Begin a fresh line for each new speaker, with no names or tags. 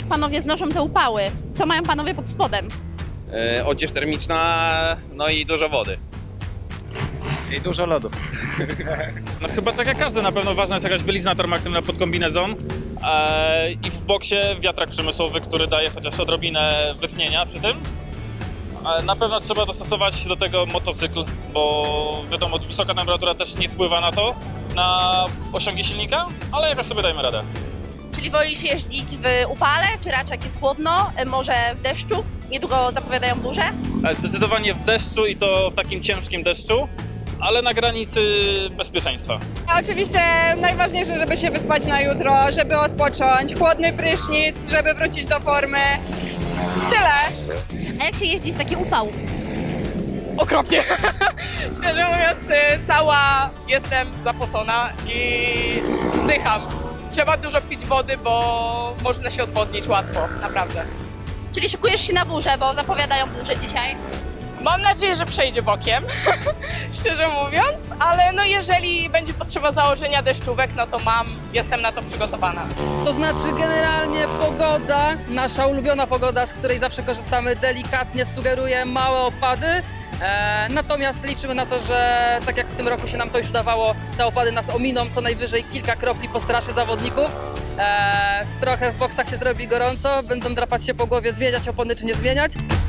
panowie znoszą te upały? Co mają panowie pod spodem?
Odzież termiczna, no i dużo wody.
I dużo lodów.
No chyba tak jak każdy, na pewno ważna jest jakaś bielizna termoaktywna pod kombinezon i w boksie wiatrak przemysłowy, który daje chociaż odrobinę wytchnienia przy tym. Na pewno trzeba dostosować do tego motocykl, bo wiadomo, wysoka temperatura też nie wpływa na to, na osiągi silnika, ale jakoś sobie dajemy radę.
Czyli wolisz jeździć w upale, czy raczej jak jest chłodno, może w deszczu? Niedługo zapowiadają burze.
Zdecydowanie w deszczu i to w takim ciężkim deszczu, ale na granicy bezpieczeństwa.
A oczywiście najważniejsze, żeby się wyspać na jutro, żeby odpocząć, chłodny prysznic, żeby wrócić do formy. Tyle.
A jak się jeździ w taki upał?
Okropnie. Szczerze mówiąc, cała jestem zapocona i zdycham. Trzeba dużo pić wody, bo można się odwodnić łatwo, naprawdę.
Czyli szykujesz się na burzę, bo zapowiadają burzę dzisiaj.
Mam nadzieję, że przejdzie bokiem, szczerze mówiąc, ale no jeżeli będzie potrzeba założenia deszczówek, no to jestem na to przygotowana.
To znaczy generalnie pogoda, nasza ulubiona pogoda, z której zawsze korzystamy, delikatnie sugeruje małe opady. Natomiast liczymy na to, że tak jak w tym roku się nam to już udawało, te opady nas ominą, co najwyżej kilka kropli postraszy zawodników. Trochę w boksach się zrobi gorąco, będą drapać się po głowie, zmieniać opony czy nie zmieniać.